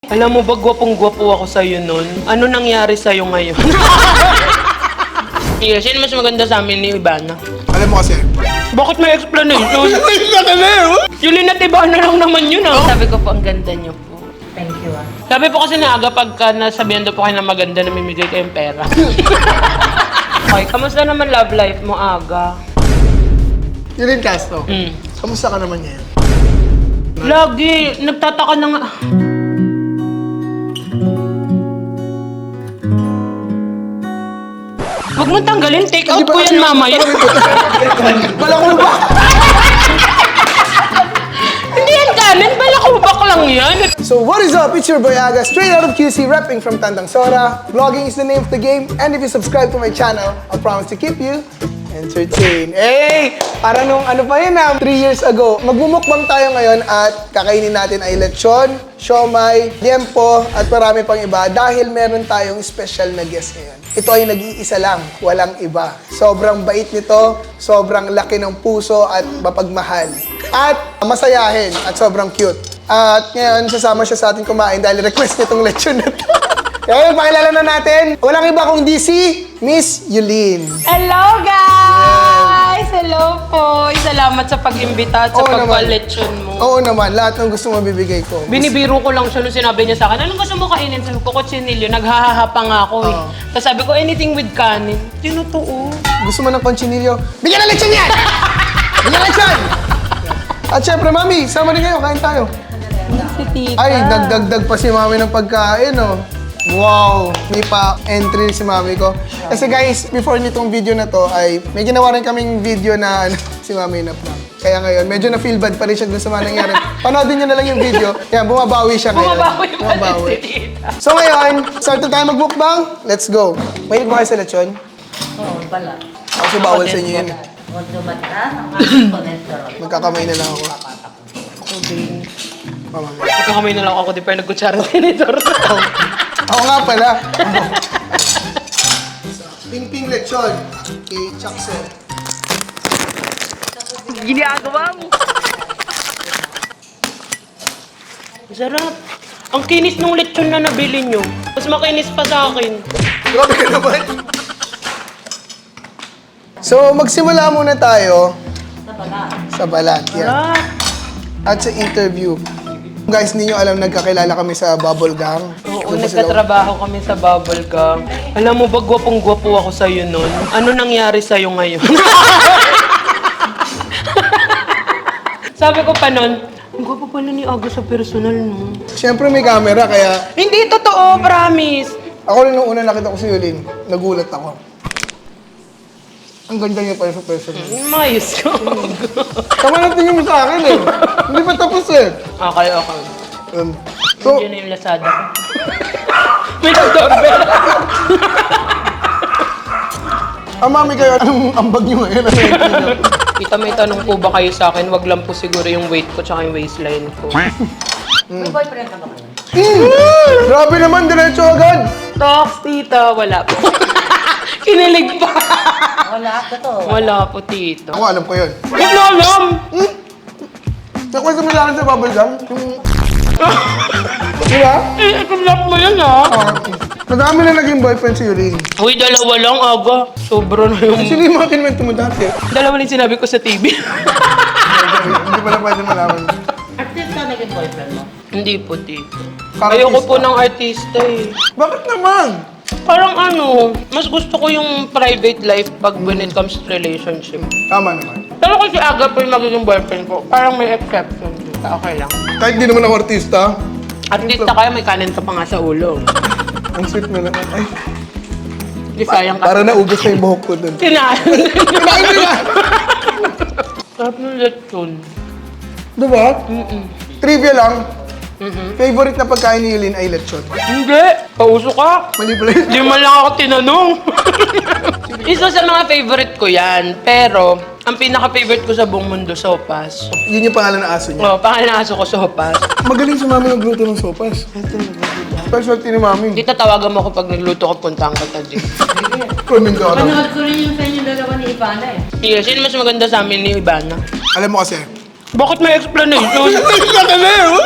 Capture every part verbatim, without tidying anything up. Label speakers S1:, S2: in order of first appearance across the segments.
S1: Alam mo ba, gwapong-gwapo ako sa'yo nun? Ano nangyari sa'yo ngayon? Yeah, sino mas maganda sa amin ni Ivana?
S2: Alam mo kasi.
S1: Bakit may explanation? Yulin at Ivana lang naman yun ah. Sabi ko po, ang ganda niyo po.
S3: Thank you ah.
S1: Sabi po kasi na aga pagka nasabihan daw po kayo na maganda, namimigay kayong pera. Okay, kamusta naman love life mo, Aga?
S2: Yulin Castro,
S1: Mm.
S2: kamusta ka naman ngayon?
S1: Lagi, nagtataka na nga. Huwag mo tanggalin, take out ko yan mamaya.
S2: Balakubak!
S1: Hindi yan kanin, balakubak lang yan.
S2: So what is up? It's your boy Aga, straight out of Q C, repping from Tandang Sora. Vlogging is the name of the game, and if you subscribe to my channel, I promise to keep you entertained. Hey! Parang nung ano pa yun ah, three years ago. Magmumukbang tayo ngayon at kakainin natin ay lechon, siomay, liempo, at marami pang iba dahil meron tayong special na guest ngayon. Ito ay nag-iisa lang, walang iba. Sobrang bait nito, sobrang laki ng puso at mapagmahal. At masayahin at sobrang cute. At ngayon, sasama siya sa ating kumain dahil request nitong lechon na to. Kaya pakilala na natin, walang iba kundi si Miss Yulin.
S1: Hello guys! Hello po! Salamat sa pag-imbita at sa
S2: Oo naman.
S1: pagpa-lechon mo.
S2: Oo naman, lahat ng gusto mo bibigay ko.
S1: Binibiro ko lang siya nung sinabi niya sa akin, anong gusto mo kainin? Sabi ko, kutsinilyo. Naghahaha pa nga ako eh.
S2: Oo.
S1: Tapos sabi ko, anything with kanin. Tinutuo.
S2: Gusto mo ng conchinillo? Bigyan ng lechon yan! Bigyan ng lechon! At syempre, Mami, sama din kayo, kain tayo.
S1: Si tita.
S2: Ay, nagdagdag pa si Mami ng pagkain, oh. Wow! May pa-entry si Mami ko. Kasi guys, before nitong video na to, ay may ginawa rin kaming video na ano, si Mami na prank. Kaya ngayon, medyo na-feel bad pa rin siya dun sa mga nangyari. Panoodin nyo na lang yung video. Yan, bumabawi siya ngayon.
S1: Bumabawi pa rin si tita.
S2: So ngayon, start na tayo mag-mukbang. Let's go. Mahilig ba kayo sa lechon?
S3: Oo, pala.
S2: Kasi bawal sa inyo yun.
S3: Huwag dumata ang aking cholesterol.
S2: Magkakamay na lang ako.
S1: Ako din.
S2: Mama.
S1: Magkakamay na lang ako, di pa yung nagkutsara tinitor.
S2: Ako nga pala. Ping-ping lechon. Kay Chakso.
S1: Ginagawa mo. Sarap. Ang kinis ng lechon na nabili nyo. Mas makinis pa sa akin.
S2: Grabe ka naman. So, magsimula muna tayo
S3: Sa pala.
S2: sa balat. Yan.
S1: Sarap.
S2: At sa interview. Guys, hindi nyo alam, nagkakilala kami sa Bubble Gang.
S1: Oo,
S2: Doon po sila-
S1: nagtatrabaho kami sa Bubble Gang. Alam mo ba, gwapong-gwapo ako sa'yo nun? Ano nangyari sa'yo ngayon? Sabi ko pa nun, ang gwapo pala ni Aga sa personal, no?
S2: Siyempre may camera, kaya
S1: Hindi totoo, promise.
S2: ako rin nung una nakita ko si Yulin, nagulat ako. Ang ganda niya pala sa personal.
S1: Mayos ko.
S2: Tama na tingin mo sa akin eh. Hindi pa tapos eh.
S1: Okay, okay.
S2: Um, so,
S1: Diyan na yung Lazada ko. May nag-doorbell.
S2: ah, Mami kayo, anong ambag niyo ngayon? Ano yung niyo?
S1: Kita, may tanong po ba kayo sa akin? Wag lang po siguro yung weight ko tsaka yung waistline ko.
S3: May boyfriend ka ba kayo?
S2: Mm, grabe naman, diretso agad.
S1: Talks, tita. Wala po. Kinilig pa.
S3: Wala, totoo.
S1: Wala po, tito.
S2: Ako alam ko yun.
S1: Huwag na alam!
S2: Hmm? Nakwento mo lang sa Bubble Gang? Yung... Diba?
S1: Eh, ikulap mo yun, ha?
S2: Ah, madami na naging boyfriend si Yulin.
S1: Uy, dalawa lang, Aga. Sobra na yung...
S2: Sino yung mga kinwento mo dati?
S1: Dalawa lang sinabi ko sa T V.
S2: Hindi pala pwede malaman.
S3: Artist ka naging boyfriend mo?
S1: Hindi po, tito.
S2: Parang
S1: Ayoko po
S2: artista.
S1: ng artista, eh.
S2: Bakit naman?
S1: Parang ano, mas gusto ko yung private life pag when it comes to relationship.
S2: Tama naman.
S1: Pero kasi Aga po yung magiging boyfriend ko, parang may exception. Okay lang.
S2: Kahit di naman ako artista,
S1: At least na kaya may kanin ka pa nga sa ulo.
S2: ang sweet mo naman. Ay,
S1: Di sayang ka.
S2: para naubos na yung buhok ko dun.
S1: Kinain.
S2: Kinain mo na!
S1: Sarap ng lechon.
S2: Diba?
S1: Mm-mm.
S2: Trivia lang,
S1: Mhm.
S2: favorite na pagkain ni Yulin ay lechon.
S1: Hindi. Pauso ka.
S2: Mali pala yun.
S1: Di man lang ako tinanong. Isa sa mga favorite ko yan. Pero, ang pinaka-favorite ko sa buong mundo, sopas.
S2: Yun yung pangalan ng aso niya.
S1: Oh, pangalan ng aso ko, sopas.
S2: Magaling si Mami magluto ng sopas. Specialty ni Mami.
S1: Kita tawagan mo ako pag nagluto ko, puntahan ka din.
S2: Kunin ka ano.
S3: Panood ko rin yung sa inyong dalawa ni Ivana eh.
S1: Yeah, sino mas maganda sa amin ni Ivana?
S2: Alam mo kasi.
S1: Bakit may explanation?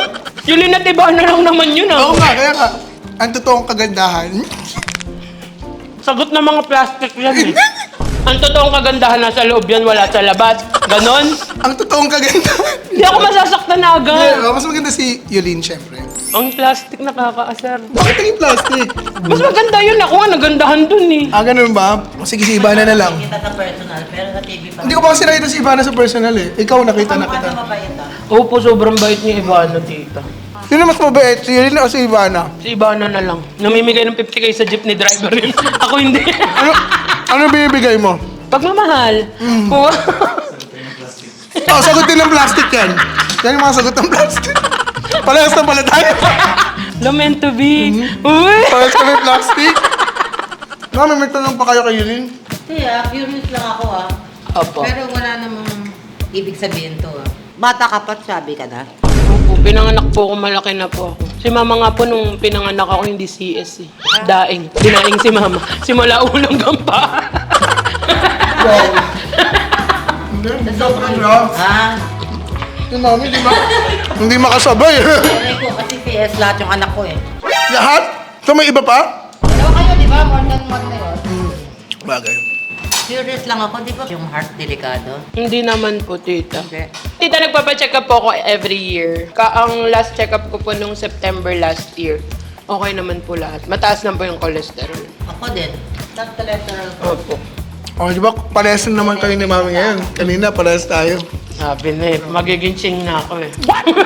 S1: Yulin at iba na lang naman yun ah.
S2: Oo nga, kaya nga. Ang totoong kagandahan.
S1: Sagot ng mga plastic yan eh. Ang totoong kagandahan nasa loob yan, wala sa labas. Ganon.
S2: Ang totoong kagandahan.
S1: Hindi ako masasaktan na agad.
S2: Yeah, mas maganda si Yulin, syempre.
S1: Ang plastic nakakaasar.
S2: Bakit naging plastic?
S1: Mas maganda yun. Ako nga nagandahan dun eh.
S2: Ah, ganun ba? Sige, si Ivana na lang.
S3: Kita sa personal, pero sa T V pa.
S2: Hindi ko pa kasi nakita si Ivana sa personal eh. Ikaw nakita na kita.
S3: Ano mabait ah?
S1: Opo, sobrang bait ni Ivana, tita.
S2: Sino mas mabait? Si Yulin o si Ivana?
S1: Si Ivana na lang. Namimigay ng fifty K sa jeepney driver yun. Ako hindi.
S2: Ano, ano binibigay mo?
S1: Pagmamahal.
S2: Mm.
S1: Oo.
S2: Oh, sagutin ng plastic yan. Yan yung mga sagot ng plastic. Parehas na pala tayo.
S1: No meant to be. Uy!
S2: Parehas kami plastic. Mami, may tanong pa kayo kay Yulin?
S3: Hindi ah, curious lang ako ah.
S1: Opo.
S3: Pero wala namang ibig sabihin to ah. Bata ka pa, sabi ka na.
S1: Opo, pinanganak po ako, malaki na po ako. Si mama nga po nung pinanganak ako, hindi C S eh. Daing. Dinaing si mama. Simula ulang gampa.
S2: Wow. Hindi, hindi ako na.
S3: Ah,
S2: Yung mami, di ba? Hindi makasabay.
S3: Nanay ko kasi C S lahat yung anak ko eh.
S2: Lahat? So may iba pa?
S3: Dalawa kayo, di ba? More than one na yun.
S2: Bagay.
S3: Curious lang ako, di ba? Yung heart delikado.
S1: Hindi naman po, tita.
S3: Okay.
S1: Tita, nagpapacheck up po ako every year. Ka ang last check up ko po nung September last year. Okay naman po lahat. Mataas lang po yung cholesterol.
S3: Ako din. Not cholesterol ko.
S1: Opo.
S2: Oh, di ba? Parehas na naman kayo ni mami ngayon. Kanina, parehas tayo.
S1: Sabi na eh, magiging ching na ako eh.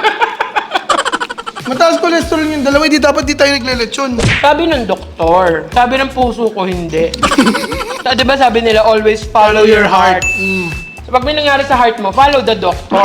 S2: Mataas cholesterol yung dalawa, di dapat di tayo naglelechon.
S1: Sabi ng doktor, sabi ng puso ko hindi. Sa- Di ba sabi nila, always follow your heart.
S2: Mm.
S1: So pag may nangyari sa heart mo, follow the doctor.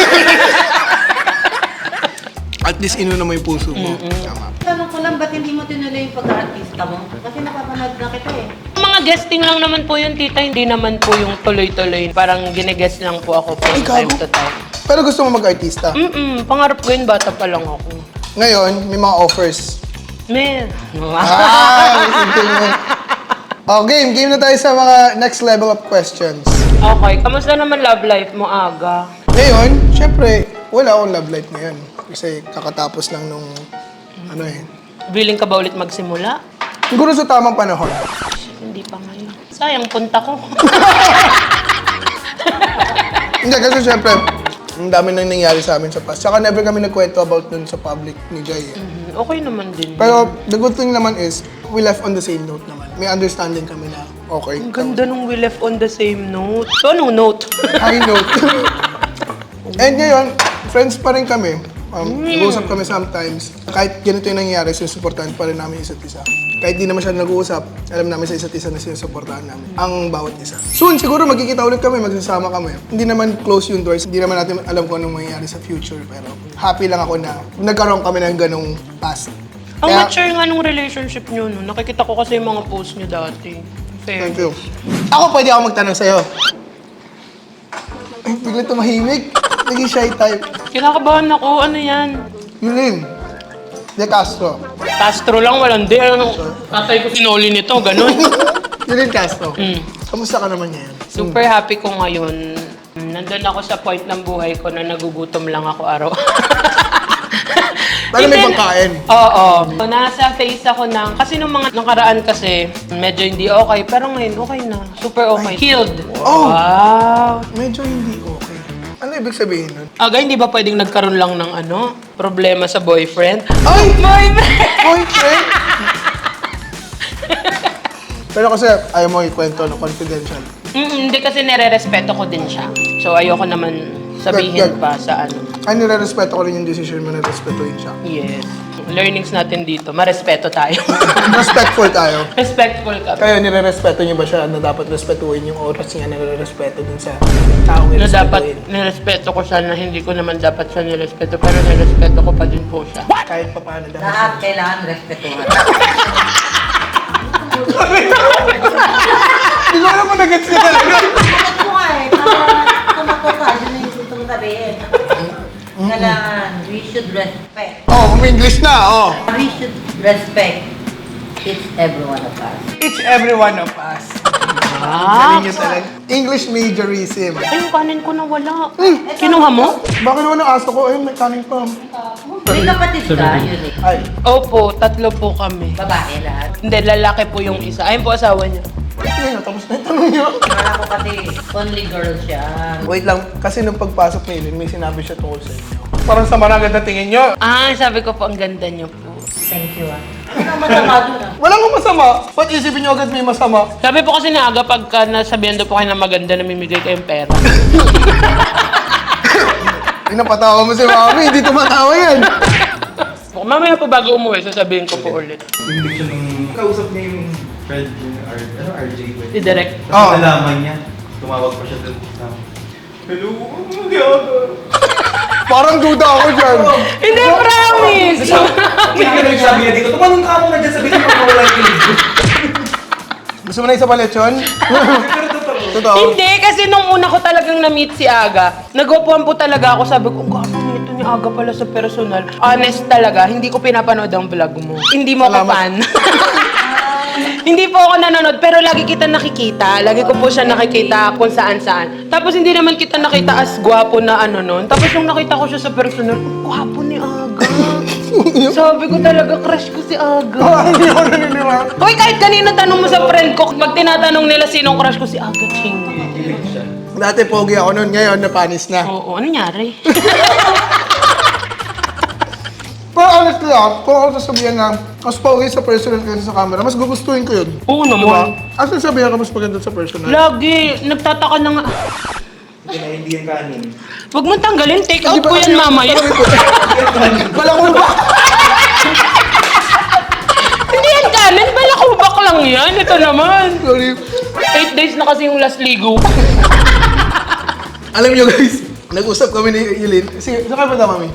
S2: At least inuna mo yung puso mo. Tama.
S3: Tanong ko lang, ba't hindi mo tinuloy yung pag-artista mo? Kasi napapanood na kita eh.
S1: Mga guesting lang naman po yun, tita. Hindi naman po yung tuloy-tuloy. Parang gine-guest lang po ako from
S2: Ay,
S1: time
S2: gago.
S1: to time.
S2: Pero gusto mo mag-artista.
S1: Mm-mm, pangarap ko yun, bata pa lang ako.
S2: Ngayon, may mga offers.
S1: Man.
S2: Ah, simple mo. Oh, game. Game na tayo sa mga next level of questions.
S1: Okay, kamusta naman love life mo, Aga?
S2: Ngayon, syempre, wala akong love life ngayon. Kasi kakatapos lang nung, ano eh.
S1: Willing ka ba ulit magsimula?
S2: Siguro sa tamang panahon.
S1: Hindi pa ngayon. Sayang, punta ko.
S2: Hindi, kasi syempre, ang dami nang nangyari sa amin sa past. Saka never kami nagkwento about dun sa public ni Jay. Eh.
S1: Mhm, okay naman din.
S2: Pero the good thing naman is, we left on the same note naman. May understanding kami na okay.
S1: Ang ganda nung we left on the same note. So, anong note?
S2: High note. And ngayon, friends pa rin kami. Um, Nag-uusap kami sometimes. Kahit ganito yung nangyayari, sinusuportahan pa rin namin isa't isa. Kahit di naman siya nag-uusap, alam namin sa isa't isa na sinusuportahan namin. Ang bawat isa. Soon, siguro magkikita ulit kami, magsasama kami. Hindi naman close yung doors. Hindi naman natin alam kung anong mangyayari sa future. Pero happy lang ako na nagkaroon kami ng ganong past.
S1: Ang
S2: Kaya-
S1: mature nga nung relationship nyo, no? Nakikita ko kasi yung mga post nyo dati. Fair.
S2: Thank you. Ako, pwede ako magtanong sa'yo. Ay, bigla tumahimik. Naging shy type.
S1: Kinakabahan ako. Ano yan?
S2: Yulin. De Castro.
S1: Castro lang, walang di. Ano, tatay ko sinoli nito, ganun.
S2: Yulin Castro.
S1: Mm.
S2: Kamusta ka naman ngayon?
S1: Super happy ko ngayon. Nandun ako sa point ng buhay ko na nagugutom lang ako araw.
S2: Paano may
S1: Hindi-
S2: pangkain?
S1: Oo. Nasa phase ako ng, kasi nung mga nakaraan kasi, medyo hindi okay. Pero ngayon, okay na. Super okay. Healed.
S2: Oh!
S1: Wow.
S2: Medyo hindi okay. Ano ibig sabihin nun?
S1: Aga, hindi ba pwedeng nagkaroon lang ng ano, problema sa boyfriend?
S2: Ay!
S1: Boyfriend!
S2: Boyfriend! Pero kasi ayaw mo ikwento no, confidential.
S1: Mm, hindi kasi nire-respeto ko din siya. So ayoko naman sabihin
S2: Good, good.
S1: pa sa ano.
S2: Ay, nire-respeto ko rin yung decision mo na respetuhin siya.
S1: Yes. Learnings natin dito, marespeto tayo.
S2: Respectful tayo.
S1: Respectful ka.
S2: Kaya nire-respeto niyo ba siya na dapat respetuhin yung oras niya na nire-respeto dun sa taong
S1: Na dapat
S2: irespetuhin?
S1: nirespeto ko siya na hindi ko naman dapat siya nirespeto pero nirespeto ko pa din po siya.
S2: Kahit pa paano dahil
S3: Lahat kailangan respetuhan.
S2: Hindi ko alam kung nag-gets niya talaga.
S3: Bakit ko nga eh, para tumakot ka, yun na yung gusto mong sabihin. Kailangan, we should respect.
S2: Oh, umi-English na, oh.
S3: We should respect each every one of us.
S2: Each every one of us.
S1: Ah,
S2: Galing yun talaga. English majorism.
S1: ay, yung kanin ko nawala. Kinuha mo?
S2: Bakit naman ang aso ko? Ayun, may kanin pa.
S3: May kapatid ka, yun eh.
S2: Ay,
S1: Opo, tatlo po kami.
S3: Babae lahat.
S1: Hindi, lalaki po yung isa. Ayun po asawa niya.
S2: ayun, tapos na yung tanong niyo.
S3: Kala ko kasi only girl siya.
S2: Wait lang, kasi nung pagpasok ni Eileen, may sinabi siya tungkol sa inyo. Parang sama na agad na tingin niyo.
S1: Ah, sabi ko po, ang ganda niyo po.
S3: Thank you ah. Ano masama doon ah?
S2: Walang kung masama. Ba't isipin niyo agad may masama?
S1: Sabi po kasi ni Aga, pagka nasabihan daw po kayo na maganda, namimigay kayong pera.
S2: Pinapatawa mo si Mami, hindi tumatawa yan.
S1: Mamaya po bago umuwi, sasabihin ko po ulit.
S4: Yung diction ng kausap niya yung friend yung R, ano, R J ba? yun?
S1: I-direct.
S4: Tapos
S2: Oo.
S4: nalaman niya, tumawag pa siya doon sa hello, hindi ako.
S2: Parang duda ako dyan.
S1: Hindi, promise!
S4: Hindi ka nagsabi niya dito, tumanong ka mo na dyan, sabihin mo kung wala yung kilig.
S2: Gusto mo na isa pa lechon?
S4: Pero totoo.
S2: Totoo.
S1: Hindi, kasi nung una ko talagang na-meet si Aga, nagwapuan po talaga ako. Sabi ko, ang gwapo nito ni Aga pala sa personal. Honest talaga, hindi ko pinapanood ang vlog mo. Hindi mo ako
S2: Salamat.
S1: fan. Hindi po ako nanonood, pero lagi kita nakikita. Lagi ko po siya nakikita kung saan-saan. Tapos hindi naman kita nakita as gwapo na ano nun. Tapos nung nakita ko siya sa personal, ang gwapo ni Aga. Sabi ko talaga, crush ko si Aga.
S2: Ah, hindi ako naniniwala.
S1: Hoy, kahit kanina tanong mo sa friend ko, pag tinatanong nila sinong crush ko, si Aga Ching.
S4: Kilig siya.
S2: Dati pogi ako noon, ngayon napanis na.
S1: Oo, ano nangyari?
S2: Pero honestly ah, kung ako sasabihan na mas pogi sa personal kaysa sa camera, mas gugustuhin ko yun.
S1: Oo
S2: Diba?
S1: naman.
S2: Ang sasabihan ka mas maganda sa personal.
S1: Lagi, nagtataka na nga.
S4: Hindi na hindi yung kanin.
S1: Huwag mong tanggalin, take out
S2: Di ba
S1: ko yan
S2: kasi-
S1: mamaya.
S2: Balakubak!
S1: Hindi yan kanin, balakubak lang yan. Ito naman.
S2: Sorry.
S1: Eight days na kasi yung last ligo.
S2: Alam niyo guys, nag-usap kami ni Eileen. Sige, saan kayo punta, Mami?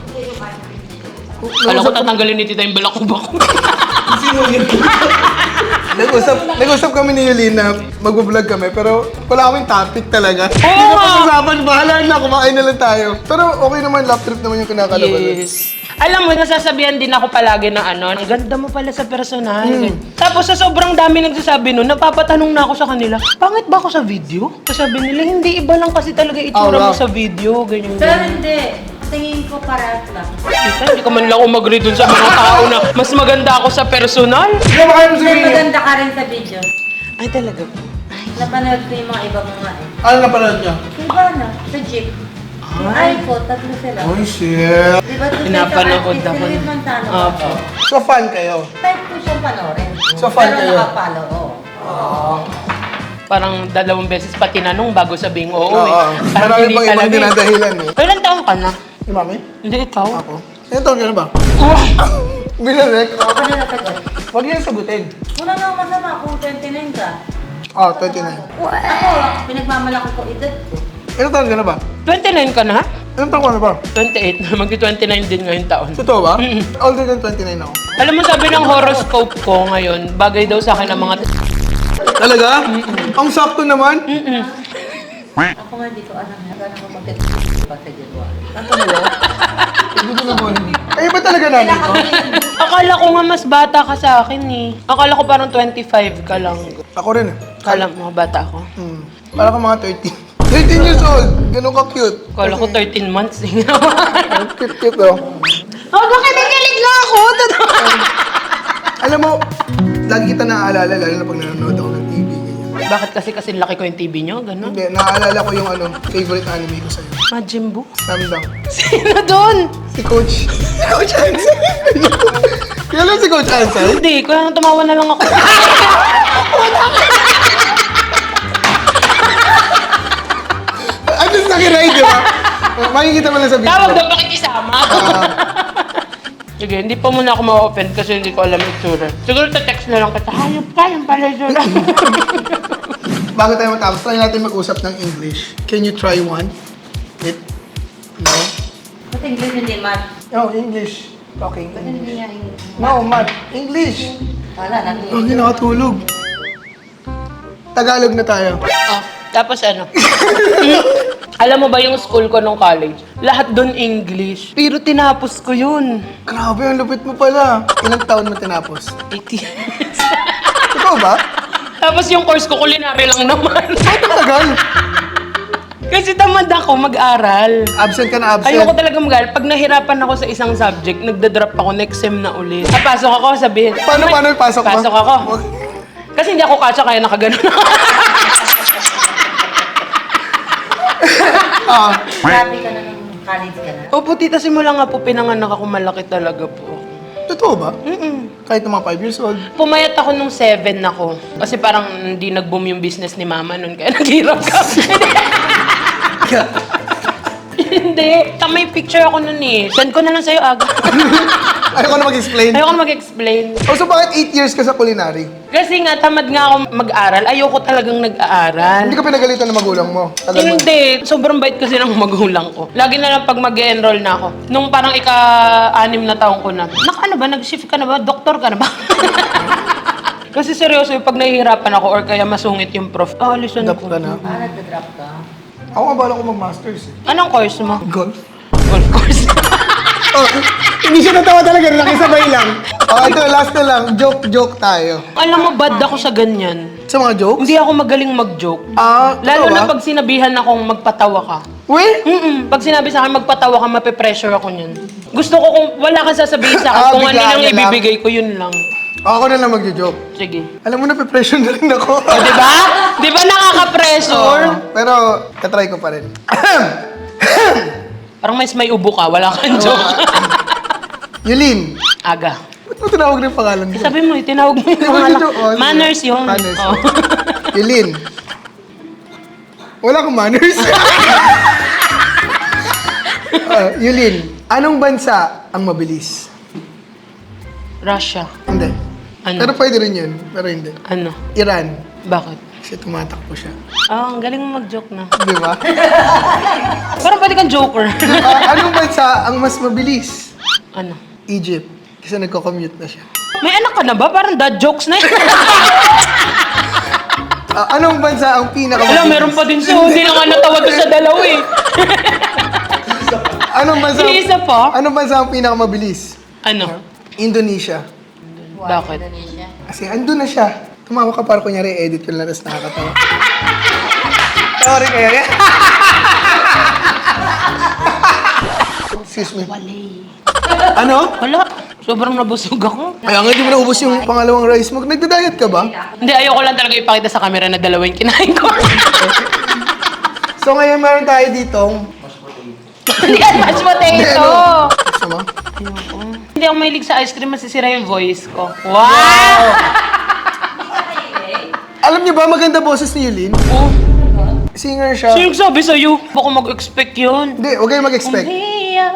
S1: Alam ko tatanggalin ni tita yung balakubak.
S4: Sino yun?
S2: Nag-usap, nag-usap kami ni Eileen na mag-vlog kami, pero wala kaming topic talaga. Hindi
S1: Oo
S2: na
S1: nga.
S2: pag-usapan, bahala na, kumain na lang tayo. Pero okay naman, lap trip naman yung kinakalaban.
S1: Yes. Alam mo, nasasabihan din ako palagi na ano, ang ganda mo pala sa personal. Tapos sa sobrang dami nagsasabi nun, napapatanong na ako sa kanila, pangit ba ako sa video? Sabi nila, hindi, iba lang kasi talaga itsura
S2: Oh,
S1: mo
S2: wow.
S1: sa video, ganyan.
S3: Pero
S1: ganyan.
S3: hindi. Tingin ko parehas lang.
S1: Tita, hindi ka man lang umagri dun sa mga tao na mas maganda ako sa personal.
S2: Hindi ba kayo
S3: Mas
S2: sabihin?
S3: maganda ka rin sa video.
S1: Ay, talaga po.
S3: Napanood ko yung mga iba mo nga eh.
S2: Ano napanood niya?
S3: Diba na? Sa jeep. Yung iPhone, tatlo sila.
S2: Oh shit.
S3: Diba doon
S1: Pinapanood
S3: sa artist,
S1: ako.
S3: Philip Montano.
S1: Opo.
S2: So fan kayo?
S3: Type ko siyang panoorin.
S2: So, fan
S3: Pero
S2: kayo?
S3: nakapalo, oo.
S1: Parang dalawang beses pa tinanong bago sabing oo,
S2: Oo.
S1: eh. Parang
S2: Marami
S1: hindi
S2: pang ibang
S1: talaga eh.
S2: dinadahilan eh.
S1: Ilan taong ka na?
S2: Si Mami?
S1: Hindi ikaw.
S2: Ako? Ilan taon ka na ba?
S1: Wow.
S2: Binarek?
S3: Oo, ka na nasagot.
S2: Huwag niyo sagutin.
S3: Wala na masama kung twenty-nine ka.
S2: Oh, twenty-nine.
S3: Ako, pinagmamalaki ko edad ko.
S2: Ilan taon ka na ba?
S1: twenty-nine ka na?
S2: Ilan taon ka na ba?
S1: twenty-eight na. Magti-twenty-nine din ngayong taon.
S2: Totoo ba? Older than twenty-nine ako.
S1: Alam mo, sabi ng horoscope ko ngayon, bagay daw sa akin ang mga...
S2: Talaga? Ang sakto naman.
S3: Ako nga di ko alam. Gano'n ko mag pa sa January.
S2: Hindi ko naman. Ay, ba talaga namin ko?
S1: Akala ko nga mas bata ka sa akin eh. Akala ko parang twenty-five ka lang.
S2: Ako rin eh.
S1: Akala mo bata ako.
S2: Hmm. Para ka mga thirteen. thirteen years old. Ganun ka cute.
S1: Akala ko thirteen months eh.
S2: Cute, cute oh.
S1: Oh, bakit nakilig na ako? Totoo.
S2: Alam mo, lagi kita naaalala, lalo na pag nanonood ako ng T V. ganyan.
S1: Bakit kasi kasi laki ko yung T V nyo? Ganon?
S2: Hindi, naaalala ko yung ano, favorite anime ko sa'yo.
S1: Majin Buu?
S2: Samdang.
S1: Sino doon?
S2: Si Coach. Si Coach Hansen. Kailan si Coach Hansen?
S1: Hindi, kaya tumawa na lang ako.
S2: At least nakiride, di ba? Makikita mo lang sa video.
S1: Tawag daw pakikisama. Sige, hindi pa muna ako ma-open kasi hindi ko alam yung itsura. Siguro ta-text na lang kita, hayop ka, yung pala itsura.
S2: Bago tayo matapos, try natin mag-usap ng English. Can you try one? It? No?
S3: Ba't English hindi math?
S2: No, English. Talking
S3: Ba't
S2: English.
S3: hindi niya English?
S2: No, Matt. English.
S3: Wala, nang
S2: Oh, hindi nakatulog. Tagalog na tayo.
S1: Oh, tapos ano? Alam mo ba yung school ko nung college? Lahat doon English. Pero tinapos ko yun.
S2: Grabe, ang lupit mo pala. Ilang taon mo tinapos?
S1: eighteen.
S2: Totoo ba?
S1: Tapos yung course ko, culinary lang naman.
S2: Ba't ang tagal?
S1: Kasi tamad ako mag-aral.
S2: Absent ka na absent.
S1: Ayoko talaga mag-aral. Pag nahirapan ako sa isang subject, nagda-drop ako next sem na ulit. Papasok ako, sabihin.
S2: Paano,
S1: "May-
S2: paano yung pasok mo?"
S1: Pasok ako. Kasi hindi ako kasya, kaya nakaganon ako.
S2: Ah,
S3: Grabe ka na ng college ka na.
S1: Opo, tita, simula nga po pinanganak ako, malaki talaga po.
S2: totoo ba?
S1: Mm-mm.
S2: Kahit ng mga five years old.
S1: Pumayat ako nung seven ako. Kasi parang hindi nag-boom yung business ni mama nun, kaya naghirap ka. Hindi. Ta, may picture ako nun eh. Send ko na lang sa'yo aga.
S2: Ayoko na mag-explain.
S1: Ayoko na mag-explain.
S2: Oh, so bakit eight years ka sa culinary?
S1: Kasi nga, tamad nga ako mag-aral. Ayoko talagang nag-aaral.
S2: Hindi ka pinagalitan ng magulang mo? Alam mo?
S1: Hindi. Sobrang bait kasi ng magulang ko. Lagi na lang pag mag-enroll na ako. Nung parang ika-anim na taong ko na, Naka ano ba? Nag-shift ka na ba? Doktor ka na ba? Kasi seryoso, yung pag nahihirapan ako or kaya masungit yung prof, ah, listen
S2: Adapt
S1: ko.
S2: ka na.
S3: Ah, nagda-drop ka.
S2: Ako nga bala ko mag-masters eh.
S1: Anong course mo?
S2: Golf?
S1: Golf course.
S2: Oh, hindi siya natawa talaga, nakisabay lang. Oh, ito, last na lang. Joke-joke tayo.
S1: Alam mo, bad ako sa ganyan.
S2: Sa mga jokes?
S1: Hindi ako magaling mag-joke.
S2: Ah,
S1: Lalo
S2: totoo
S1: na
S2: ba?
S1: pag sinabihan akong magpatawa ka.
S2: Uy!
S1: Mm-mm. Pag sinabi sa akin magpatawa ka, mape-pressure ako niyan. Gusto ko kung wala kang sasabihin sa akin,
S2: Ah,
S1: kung ano
S2: biglaan
S1: lang
S2: ka lang.
S1: ibibigay ko, yun lang.
S2: Ako na lang mag-joke.
S1: Sige.
S2: Alam mo na, pe-pressure na rin ako.
S1: O, di ba? Di ba nakaka-pressure?
S2: Oo, pero, katry ko pa rin.
S1: Parang mas may ubo ka, wala kang joke.
S2: Yulin,
S1: Aga.
S2: ba't mo tinawag na yung pangalan mo?
S1: Sabi mo, itinawag mo yung
S2: Di ba
S1: mga
S2: nag-joke? Oh, sige.
S1: manners yun.
S2: Manners.
S1: Oh.
S2: Yulin. Wala kang manners. Ah, Yulin, anong bansa ang mabilis?
S1: Russia.
S2: Hindi.
S1: Ano?
S2: Pero pwede rin yun. Pero hindi.
S1: Ano?
S2: Iran.
S1: Bakit?
S2: Kasi tumatakbo siya.
S1: Ah, ang galing mo mag-joke na.
S2: Di ba?
S1: Parang pwede kang joker.
S2: Ah, anong bansa ang mas mabilis?
S1: Ano?
S2: Egypt. Kasi nagko-commute na siya.
S1: May anak ka na ba? Parang dad jokes na yun.
S2: Ah, anong bansa ang pinakamabilis?
S1: Wala, meron pa din siya. Hindi na nga natawa doon sa dalawa eh.
S2: Anong bansa?
S1: May isa pa?
S2: Anong bansa ang pinakamabilis?
S1: Ano?
S2: Indonesia.
S1: Bakit?
S3: Indonesia.
S2: Kasi andun na siya. Tumawa ka para kunyari edit ko lang tapos nakakatawa. Sorry kaya yan. Excuse me.
S1: Wali.
S2: Ano?
S1: Wala. Sobrang nabusog ako.
S2: Kaya nga di mo naubos yung pangalawang rice mo. Nagda-diet ka ba?
S1: Hindi, ayoko lang talaga ipakita sa camera na dalawa yung kinain ko.
S2: So ngayon meron tayo ditong...
S1: Hindi yan, mashed potato.
S2: Gusto mo?
S1: Hindi ako mahilig sa ice cream, masisira yung voice ko. Wow!
S2: Alam niyo ba maganda boses ni Yulin?
S1: Oh,
S2: Singer siya.
S1: sino yung sabi sa'yo? Baka mag-expect yun.
S2: Hindi, huwag kayong mag-expect.
S1: Hiya.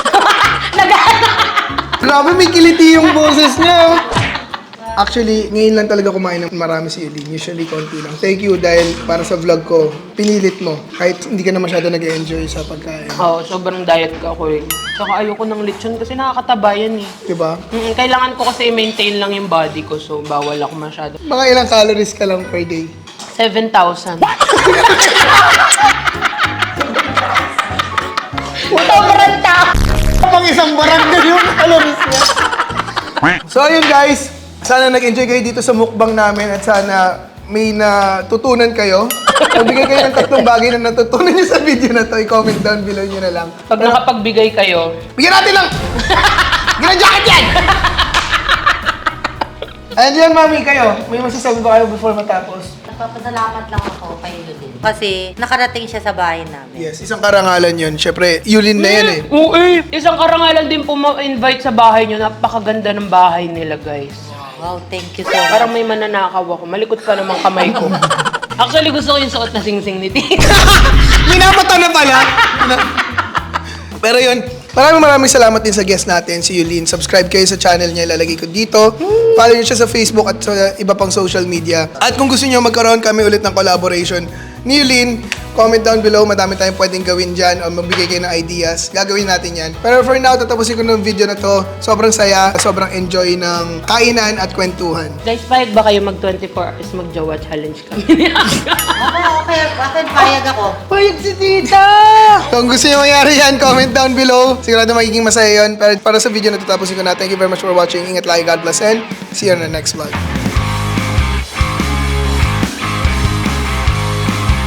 S2: Grabe, may kiliti yung boses niya. Actually, ngayon lang talaga kumain ng marami si Yulin. Usually, konti lang. Thank you dahil para sa vlog ko, pinilit mo. Kahit hindi ka na masyado nag-enjoy sa pagkain.
S1: Oo, sobrang diet ka ako eh. Saka ayoko ng lechon kasi nakakataba yan eh.
S2: Diba?
S1: Mm, kailangan ko kasi i-maintain lang yung body ko, so bawal ako masyado.
S2: Mga ilang calories ka lang per day?
S1: seven thousand. Sobrang ta!
S2: Pang isang barangay yung calories niya. So ayun guys, sana nag-enjoy kayo dito sa mukbang namin at sana may natutunan kayo. Magbigay kayo ng tatlong bagay na natutunan nyo sa video na to. I-comment down below nyo na lang.
S1: Pag nakapagbigay kayo,
S2: Bigyan natin lang! Ganang jacket yan! And yan, mami, kayo. May masasabi ba kayo before matapos?
S3: Nagpapasalamat lang ako kay Yulin. Kasi nakarating siya sa bahay namin.
S2: Yes, isang karangalan yun. Siyempre, Yulin na yan eh.
S1: Oo eh. Isang karangalan din po ma-invite sa bahay nyo. Napakaganda ng bahay nila, guys.
S3: Wow, thank you so much.
S1: Parang may mananakaw ako. Malikot pa namang kamay ko. Actually, gusto ko yung suot na sing-sing ni Tita.
S2: Minamata na pala. Pero yun, maraming maraming salamat din sa guest natin, si Yulin. Subscribe kayo sa channel niya, ilalagay ko dito. Follow niyo siya sa Facebook at sa iba pang social media. At kung gusto niyo magkaroon kami ulit ng collaboration ni Yulin, comment down below. Madami tayong pwedeng gawin dyan o magbigay kayo ng ideas. Gagawin natin yan. Pero for now, tatapusin ko ng video na to. Sobrang saya, sobrang enjoy ng kainan at kwentuhan.
S1: Guys, payag ba kayo mag twenty-four hours mag-jowa challenge kami?
S3: Ako, okay, akin payag ako.
S2: Payag si tita! Kung gusto niyo mangyari yan, comment down below. Sigurado magiging masaya yun. Pero para sa video na to, tapusin ko na. Thank you very much for watching. Ingat lagi. God bless and see you on the next vlog.